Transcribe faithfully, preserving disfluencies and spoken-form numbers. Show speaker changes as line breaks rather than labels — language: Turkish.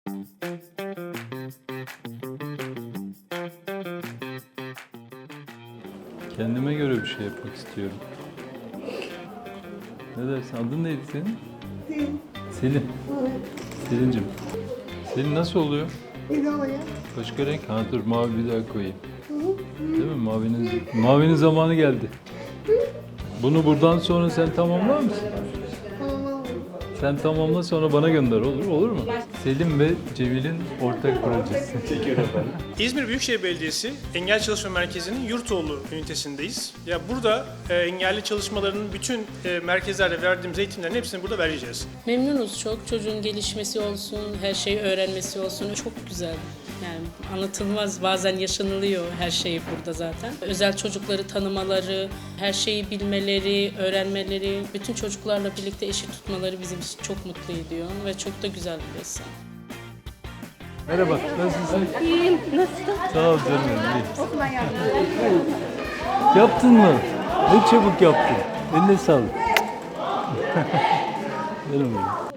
Kendime göre bir şey yapmak istiyorum. Ne dersin? Adın neydi senin?
Selin.
Selin.
Evet.
Selin'cim. Selin nasıl oluyor?
Ne oluyor?
Başka renk? Ha dur mavi bir daha koyayım.
Hı hı.
Değil mi? Mavinin, mavinin zamanı geldi. Bunu buradan sonra sen tamamlar mısın?
Tamam.
Sen tamamla sonra bana gönder olur olur mu? Selim ve Cemil'in ortak projesi.
İzmir Büyükşehir Belediyesi Engel Çalışma Merkezi'nin Yurtoğlu ünitesindeyiz. Ya burada e, engelli çalışmalarının bütün e, merkezlerde verdiğimiz eğitimlerin hepsini burada vereceğiz.
Memnunuz çok. Çocuğun gelişmesi olsun, her şeyi öğrenmesi olsun. Çok güzel. Yani anlatılmaz. Bazen yaşanılıyor her şey burada zaten. Özel çocukları tanımaları, her şeyi bilmeleri, öğrenmeleri, bütün çocuklarla birlikte eşit tutmaları bizim için çok mutlu ediyor ve çok da güzel bir resim.
Merhaba, nasılsın?
İyiyim. Nasılsın?
Sağ ol canım, iyi.
Okula geldim.
Yaptın mı? Ne çabuk yaptın. Eline sağlık. Canım benim.